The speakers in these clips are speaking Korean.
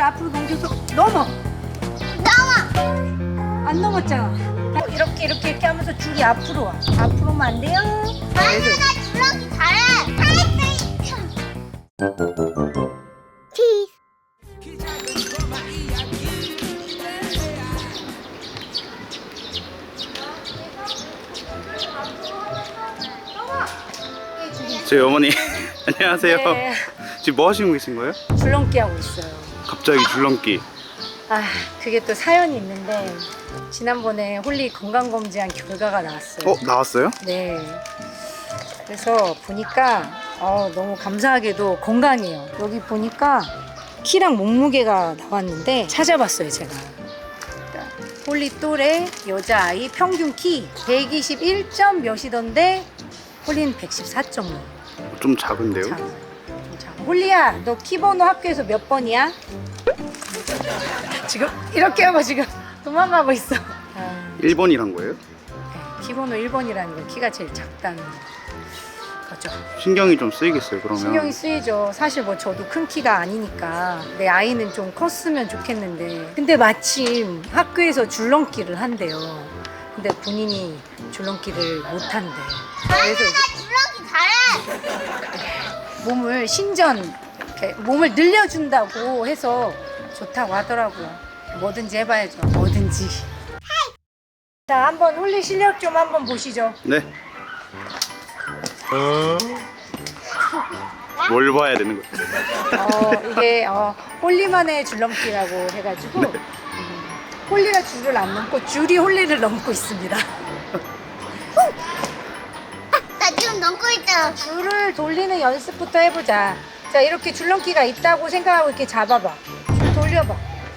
앞으로 넘겨서 넘어. 안 넘었잖아. 이렇게 하면서 줄이 앞으로 와. 앞으로 오면 안 돼요. 아니 나 줄넘기 잘해. 저희 어머니 안녕하세요. 네. 지금 뭐 하시고 계신 거예요? 줄넘기 하고 있어요. 갑자기 줄넘기. 아, 그게 또 사연이 있는데 지난번에 홀리 건강검진한 결과가 나왔어요. 나왔어요? 네. 그래서 보니까 너무 감사하게도 건강해요. 여기 보니까 키랑 몸무게가 나왔는데 찾아봤어요, 제가. 홀리 또래 여자아이 평균 키 121점 몇이던데 홀리는 114.5. 좀 작은데요? 홀리야, 너 키번호 학교에서 몇 번이야? 지금 이렇게 하고 지금 도망가고 있어. 1번이란 거예요? 네, 키번호 1번이라는 건 키가 제일 작다는 거죠. 신경이 좀 쓰이겠어요, 그러면. 신경이 쓰이죠. 사실 뭐 저도 큰 키가 아니니까 내 아이는 좀 컸으면 좋겠는데, 근데 마침 학교에서 줄넘기를 한대요. 근데 본인이 줄넘기를 못 한대. 그래서 줄넘기 잘해. 몸을 이렇게 몸을 늘려준다고 해서 좋다고 하더라고요. 뭐든지 해봐야죠. 뭐든지. 자, 한번 홀리 실력 좀 한번 보시죠. 네. 뭘 봐야 되는 거예요? 이게 홀리만의 줄넘기라고 해가지고 홀리가 줄을 안 넘고 줄이 홀리를 넘고 있습니다. 나 지금 넘고 있잖아. 줄을 돌리는 연습부터 해보자. 자, 이렇게 줄넘기가 있다고 생각하고 이렇게 잡아봐. 줄 돌려봐.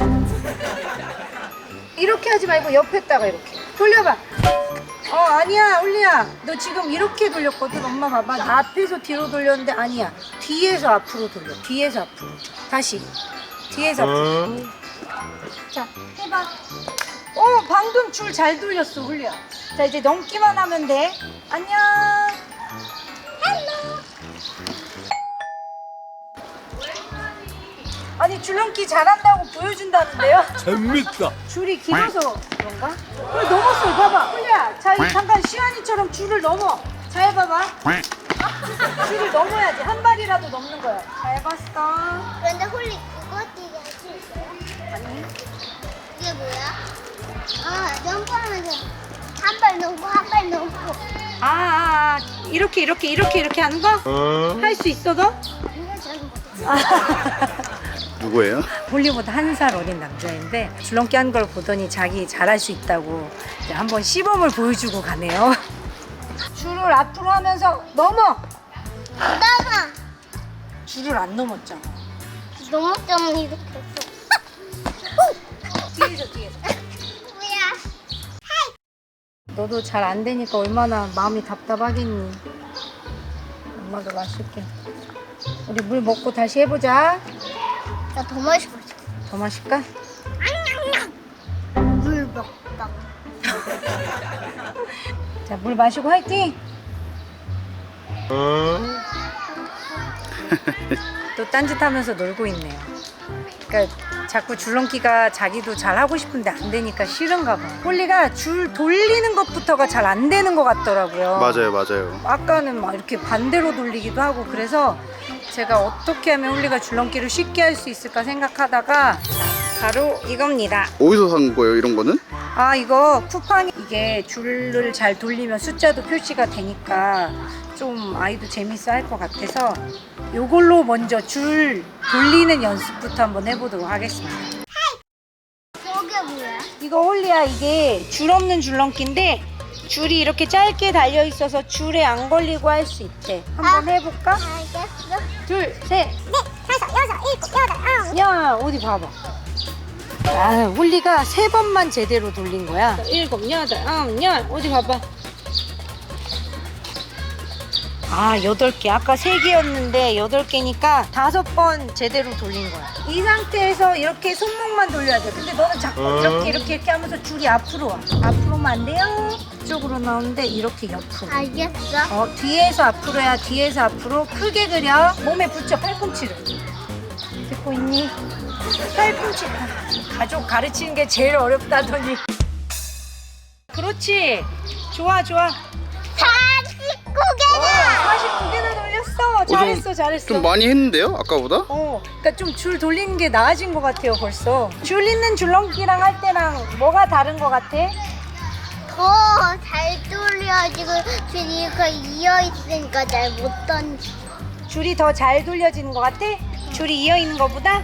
이렇게 하지 말고 옆에다가 이렇게 돌려봐. 아니야, 홀리야. 너 지금 이렇게 돌렸거든. 엄마 봐봐. 나 앞에서 뒤로 돌렸는데 아니야. 뒤에서 앞으로 돌려. 뒤에서 앞으로. 다시. 뒤에서 앞으로. 자, 해봐. 방금 줄 잘 돌렸어, 홀리야. 자, 이제 넘기만 하면 돼. 안녕. 아니, 줄넘기 잘한다고 보여준다는데요? 재밌다. 줄이 길어서 그런가? 넘었어, 봐봐. 홀리야, 자, 잠깐 시안이처럼 줄을 넘어. 잘 봐봐. 줄을 넘어야지. 한 발이라도 넘는 거야. 잘 봤어. 그런데 홀리 그거 뛰기 할 수 있어요? 아니, 이게 뭐야? 점프하면서 한 발 넘고 한 발 넘고. 이렇게 하는 거? 할 수 있어, 너? 이거 잘 못해. 누구예요? 홀리보다 1살 어린 남자인데 줄넘기 하는 걸 보더니 자기 잘할 수 있다고 이제 한번 시범을 보여주고 가네요. 줄을 앞으로 하면서 넘어. 나가. 줄을 안 넘었잖아. 넘었잖아 이렇게 했어. 뒤에서. 뭐야? 너도 잘 안 되니까 얼마나 마음이 답답하겠니. 엄마도 마실게. 우리 물 먹고 다시 해보자. 나 더 마시고 싶어. 더 마실까? 물 먹다. 자, 물 마시고 화이팅! 또 딴짓하면서 놀고 있네요. 그러니까 자꾸 줄넘기가 자기도 잘 하고 싶은데 안 되니까 싫은가 봐. 홀리가 줄 돌리는 것부터가 잘 안 되는 것 같더라고요. 맞아요. 아까는 막 이렇게 반대로 돌리기도 하고 그래서 제가 어떻게 하면 홀리가 줄넘기를 쉽게 할 수 있을까 생각하다가 바로 이겁니다. 어디서 산 거예요, 이런 거는? 이거 쿠팡이 이게 줄을 잘 돌리면 숫자도 표시가 되니까 좀 아이도 재밌어 할 것 같아서 이걸로 먼저 줄 돌리는 연습부터 한번 해보도록 하겠습니다. 저게 뭐야? 이거 홀리야, 이게 줄 없는 줄넘기인데 줄이 이렇게 짧게 달려 있어서 줄에 안 걸리고 할 수 있대. 한번 해볼까? 알겠어. 둘, 셋. 네, 다섯, 여섯, 일곱, 여덟, 아홉. 야, 어디 봐봐. 홀리가 3번만 제대로 돌린 거야. 7, 8, 9, 10. 어디 봐봐. 8개. 아까 3개였는데 8개니까 5번 제대로 돌린 거야. 이 상태에서 이렇게 손목만 돌려야 돼. 근데 너는 자꾸 이렇게 하면서 줄이 앞으로 와. 앞으로만 안 돼요. 이쪽으로 나오는데 이렇게 옆으로. 알겠어. 뒤에서 앞으로 해야. 뒤에서 앞으로 크게 그려. 몸에 붙여, 팔꿈치를. 듣고 있니? 팔꿈치. 가족 가르치는 게 제일 어렵다더니. 그렇지. 좋아 좋아. 49개나. 49개나 돌렸어. 잘했어 잘했어. 좀 많이 했는데요? 아까보다? 그러니까 좀 줄 돌리는 게 나아진 것 같아요 벌써. 줄 있는 줄넘기랑 할 때랑 뭐가 다른 것 같아? 더 잘 돌려지고 주니까 이어 있으니까 잘 못 던지. 줄이 더 잘 돌려지는 것 같아? 줄이 이어 있는 것보다?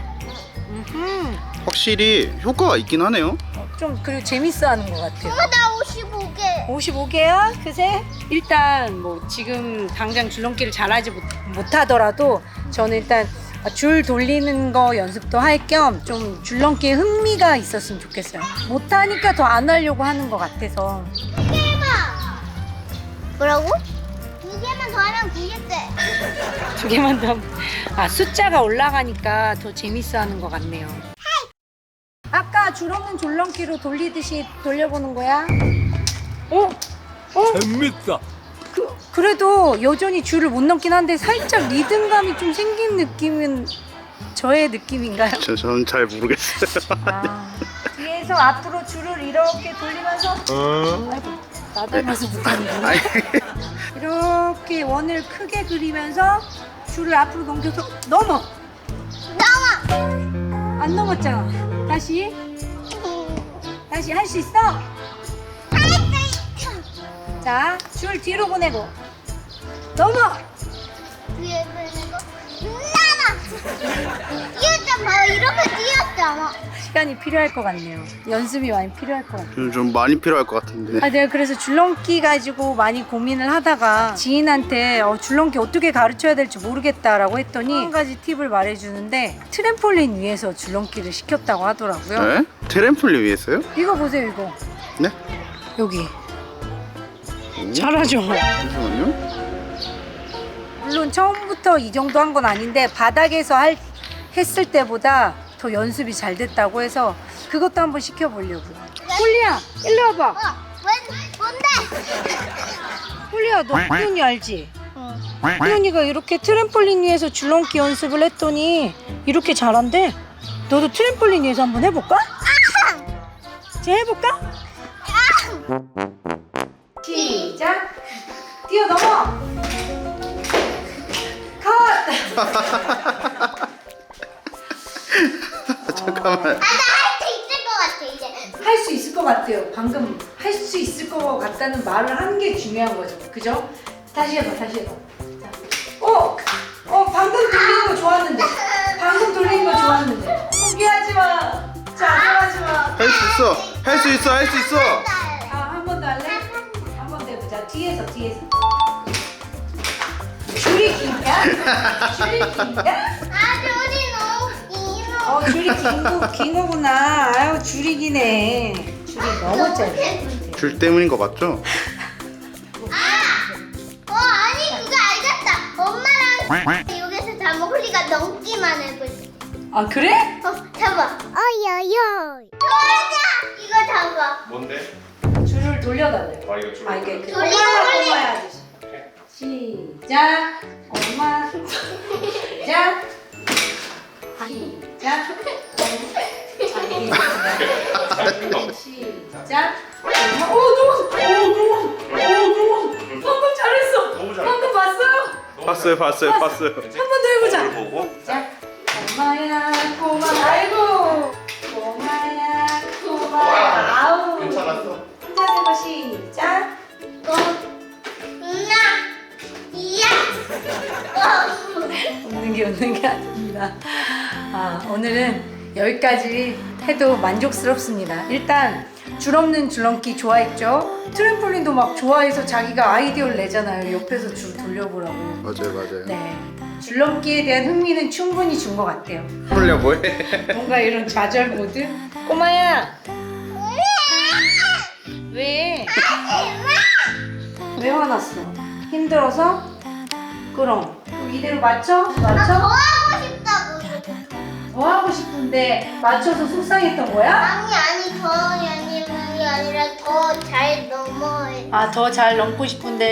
확실히 효과가 있긴 하네요. 좀 그리고 재밌어하는 것 같아요. 엄마 나 55개. 55개야? 그새? 일단 뭐 지금 당장 줄넘기를 잘하지 못하더라도 저는 일단 줄 돌리는 거 연습도 할 겸 좀 줄넘기에 흥미가 있었으면 좋겠어요. 못하니까 더 안 하려고 하는 것 같아서. 2개만. 뭐라고? 2개만 더 하면 9개. 2개만 더. 숫자가 올라가니까 더 재밌어하는 것 같네요. 아까 줄 없는 줄넘기로 돌리듯이 돌려보는 거야? 재밌다. 그래도 여전히 줄을 못 넘긴 한데 살짝 리듬감이 좀 생긴 느낌은 저의 느낌인가요? 저는 잘 모르겠어요. 뒤에서 앞으로 줄을 이렇게 돌리면서 아이고 나 닮아서 못하는구나. 아니, 이렇게 원을 크게 그리면서 줄을 앞으로 넘겨서 넘어. 나와. 안 넘었잖아. 다시 할 수 있어? 자, 줄 뒤로 보내고 넘어. 뒤에 보내고 나와. 뛰었잖아. 이렇게 뛰었잖아. 시간이 필요할 것 같네요. 연습이 많이 필요할 것 같아요. 좀 많이 필요할 것 같은데. 내가 그래서 줄넘기 가지고 많이 고민을 하다가 지인한테 줄넘기 어떻게 가르쳐야 될지 모르겠다라고 했더니 한 가지 팁을 말해주는데 트램폴린 위에서 줄넘기를 시켰다고 하더라고요. 네? 트램폴린 위에서요? 이거 보세요, 이거. 네? 여기. 잘하죠? 잠시만요. 물론 처음부터 이 정도 한 건 아닌데 바닥에서 했을 때보다 더 연습이 잘 됐다고 해서 그것도 한번 시켜보려고. 홀리야, 일로 와봐. 뭔데? 홀리야, 너 훈훈이 알지? 훈훈이가 이렇게 트램폴린 위에서 줄넘기 연습을 했더니 이렇게 잘한대. 너도 트램폴린 위에서 한번 해볼까? 이제 해볼까? 시작. 뛰어넘어. 컷. 잠깐만. 나 할 수 있을 것 같아 이제. 할 수 있을 것 같아요. 방금 할 수 있을 것 같다는 말을 하는 게 중요한 거죠. 그죠? 다시 해봐, 다시 해봐. 자. 방금 돌리는 거 좋았는데. 방금 돌리는 거 좋았는데. 포기하지 마. 자정하지 마. 할 수 있어. 할 수 있어. 할 수 있어. 한 번 더 할래? 한 번 더 해보자. 뒤에서. 줄이 긴가? 줄이 긴가? 줄이 너무 길어. 줄이 긴 거구나. 아유, 줄이 기네. 줄이 너무 짧아. 줄 때문인 거 맞죠? 아니 그거 알겠다. 엄마랑 여기서 잡아. 홀리가 넘기만 해보지. 그래? 잡아. 어여여. 도와줘. 이거 잡아. 뭔데? 줄을 돌려달래. 이거 줄. 이게 그 돌리고 엄마 하듯이. 시작. 엄마. 시작. 시작. 시작. 너무. 방금 잘했어. 너무 잘했다. 방금 봤어요? 봤어요. 한 번 더 해보자. 뭘 보고? 자, 꼬마야, 아이고. 꼬마야, 아우. 괜찮았어. 혼자 해봐, 시작. 이야. 웃는 게 아닙니다. 오늘은 여기까지 해도 만족스럽습니다. 일단 줄 없는 줄넘기 좋아했죠? 트램폴린도 막 좋아해서 자기가 아이디어를 내잖아요. 옆에서 줄 돌려보라고. 맞아요. 네, 줄넘기에 대한 흥미는 충분히 준 것 같아요. 홀려 뭐해? 뭔가 이런 좌절 모드? 꼬마야! 왜? 왜 화났어? 힘들어서? 그럼 이대로 맞춰? 더 하고 싶다고. 더 하고 싶은데 맞춰서 속상했던 거야? 아니 더 아니라 더 잘 넘어해. 더 잘 넘고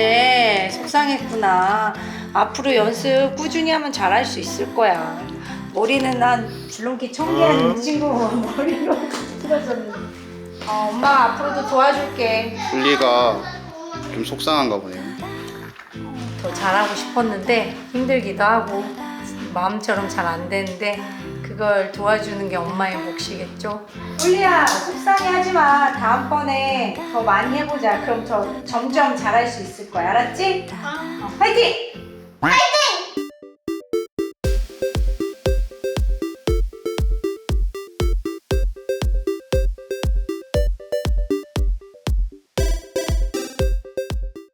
싶은데 속상했구나. 앞으로 연습 꾸준히 하면 잘할 수 있을 거야. 머리는 난 줄넘기 1000개 하는 친구 머리로 틀어졌는데. 엄마 앞으로도 도와줄게. 훌리가 좀 속상한가 보네요. 더 잘하고 싶었는데 힘들기도 하고 마음처럼 잘 안 되는데 그걸 도와주는 게 엄마의 몫이겠죠. 훌리야 속상해하지 마. 다음번에 더 많이 해보자. 그럼 더 점점 잘할 수 있을 거야. 알았지? 화이팅! 화이팅!